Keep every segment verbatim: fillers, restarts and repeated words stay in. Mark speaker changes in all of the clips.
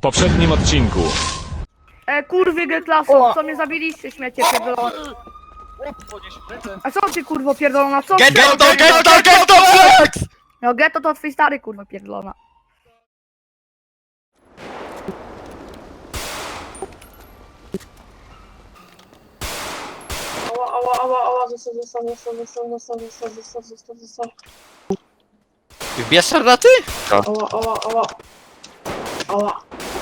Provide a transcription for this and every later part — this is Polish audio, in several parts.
Speaker 1: poprzednim odcinku.
Speaker 2: E, kurwy G-klaso, co mnie zabiliście, śmiecie pierdolone. A co ty kurwo pierdolona, co ty?
Speaker 3: Getto, getto, getto, flex!
Speaker 2: No getto to twój stary kurwa pierdolona.
Speaker 4: Ała, ała, ała, ała, zostaw, zostaw, zostaw, zostaw, zostaw, zostaw, zostaw, zostaw, zostaw.
Speaker 3: Wbierz armaty?
Speaker 4: Ała, ała, ała. Ała.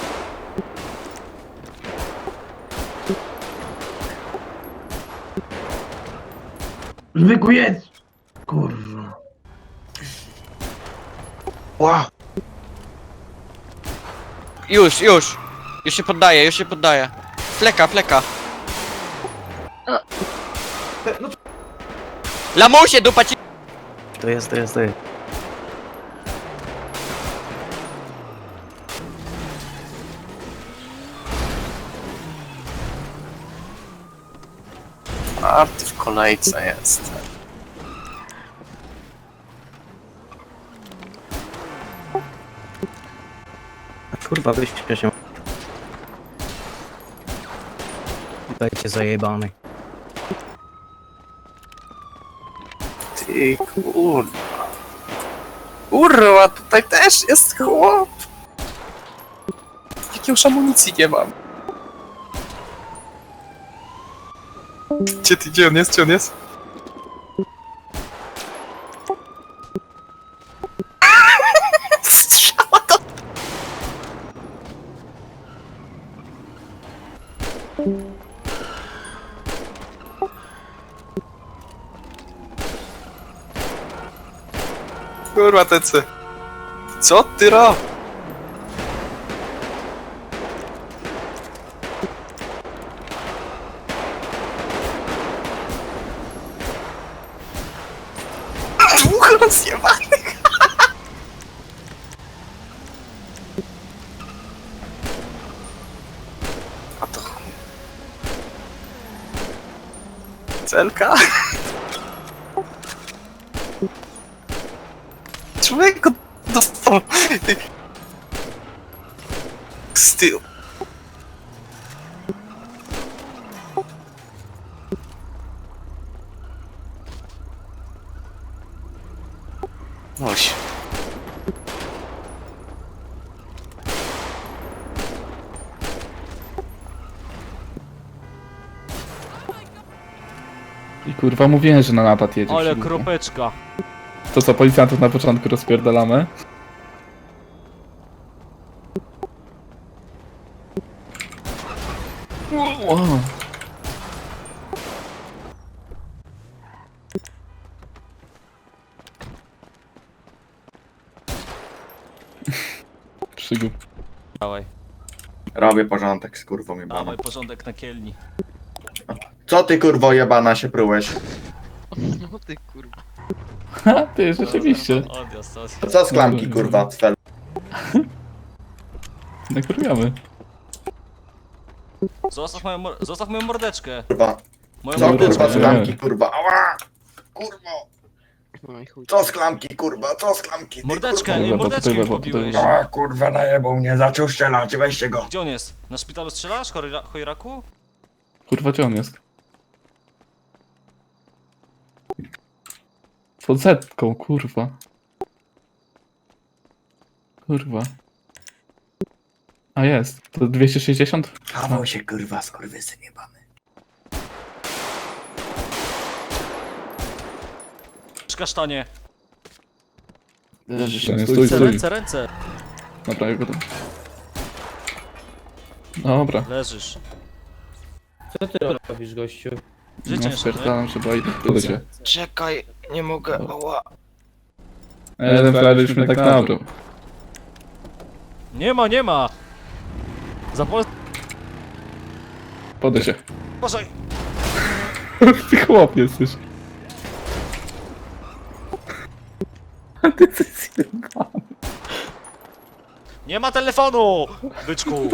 Speaker 5: Zwykły jedz! Kurwa.
Speaker 3: Ła. Już, już. Już się poddaję, już się poddaję. Fleka, fleka. Lamusie, dupa ci...
Speaker 6: To jest, to jest, to jest.
Speaker 7: A ty w kolejce jest.
Speaker 6: Kurwa, wyśpię się. Dajcie zajebany.
Speaker 7: Ty kurwa. Kurwa, tutaj też jest chłop. Jak już amunicji nie mam. Gdzie ty, gdzie on jest, gdzie on jest? Strzała to... Kurwa, tecy. Co ty ro? Dwóch rozjebanych. A to... Celka? Człowieku, dostał... Z tyłu. Oś.
Speaker 8: I kurwa mówiłem, że na napad jedzie.
Speaker 9: Ale
Speaker 8: silnie.
Speaker 9: kropeczka.
Speaker 8: To co, policjantów na początku rozpierdalamy? Wow. Przygód.
Speaker 9: Dawaj,
Speaker 10: Robię porządek z kurwą jebaną.
Speaker 9: dawaj porządek na kielni.
Speaker 10: Co ty kurwo jebana się prułeś?
Speaker 3: No ty kurwa.
Speaker 8: Ha, ty, rzeczywiście.
Speaker 9: Odjazd, odjazd.
Speaker 10: Co z klamki kurwa? Cfel.
Speaker 8: Nakurwiamy.
Speaker 9: Zostaw moją, mor- zostaw moją mordeczkę.
Speaker 10: Kurwa.
Speaker 9: Moją
Speaker 10: Co
Speaker 8: Dobra,
Speaker 10: kurwa z
Speaker 8: dobra.
Speaker 10: klamki kurwa? Ała! Kurwo! Co z klamki kurwa? Co z klamki? Ty,
Speaker 9: Mordeczkę,
Speaker 8: Kurwa,
Speaker 9: ej,
Speaker 8: bo
Speaker 9: mordeczkę
Speaker 8: tutaj,
Speaker 9: mi
Speaker 8: bo tutaj-
Speaker 9: pobiłeś.
Speaker 10: kurwa. A kurwa najebał mnie, zaczął strzelać, weźcie go.
Speaker 9: Gdzie on jest? Na szpitalu strzelasz, Chojra- Chojraku?
Speaker 8: Kurwa, gdzie on jest? Pod zetką, kurwa. Kurwa. A jest. To dwieście sześćdziesiąt?
Speaker 10: Kawał się kurwa, skurwysyn jebany.
Speaker 9: Przy kasztanie.
Speaker 8: Stój, stój,
Speaker 9: Ręce,
Speaker 8: stój.
Speaker 9: ręce, ręce.
Speaker 8: Dobra, ja go tam. Dobra.
Speaker 9: Leżysz.
Speaker 5: Co ty robisz, gościu?
Speaker 9: Życie
Speaker 8: No,
Speaker 9: jeszcze,
Speaker 8: spierdalam, żeby idę cię.
Speaker 3: Czekaj, nie mogę, ała.
Speaker 8: Jeden frajer już mnie tak nabrał.
Speaker 9: Nie ma, nie ma! Zapol...
Speaker 8: Podaj się.
Speaker 9: Uważaj!
Speaker 8: Ty chłop jesteś. A ty jesteś zjebany.
Speaker 9: Nie ma telefonu! Byczku!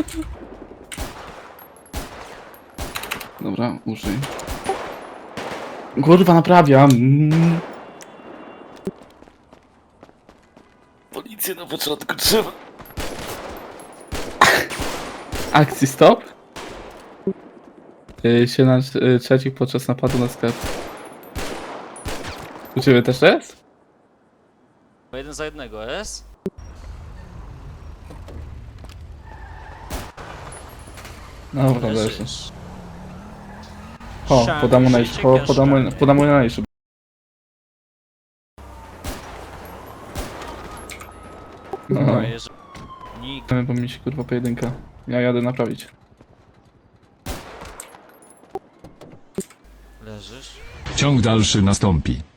Speaker 8: Dobra, użyj. Kurwa, naprawiam. Mm.
Speaker 7: Policję na początku trzeba.
Speaker 8: Akcji stop. Yy, się na yy, trzecich podczas napadu na sklep. U ciebie też jest?
Speaker 9: Jeden za jednego, jest?
Speaker 8: Dobra, leży.
Speaker 9: Leżysz.
Speaker 8: O,
Speaker 9: Sian,
Speaker 8: podam mu
Speaker 9: życie
Speaker 8: najszybciej, podam mu,
Speaker 9: kasztanie.
Speaker 8: podam mu najszybciej. No,
Speaker 9: Dobra, jeżeli... Nikt.
Speaker 8: bo mi się kurwa pojedynka. Ja jadę naprawić.
Speaker 9: Leżysz.
Speaker 1: Ciąg dalszy nastąpi.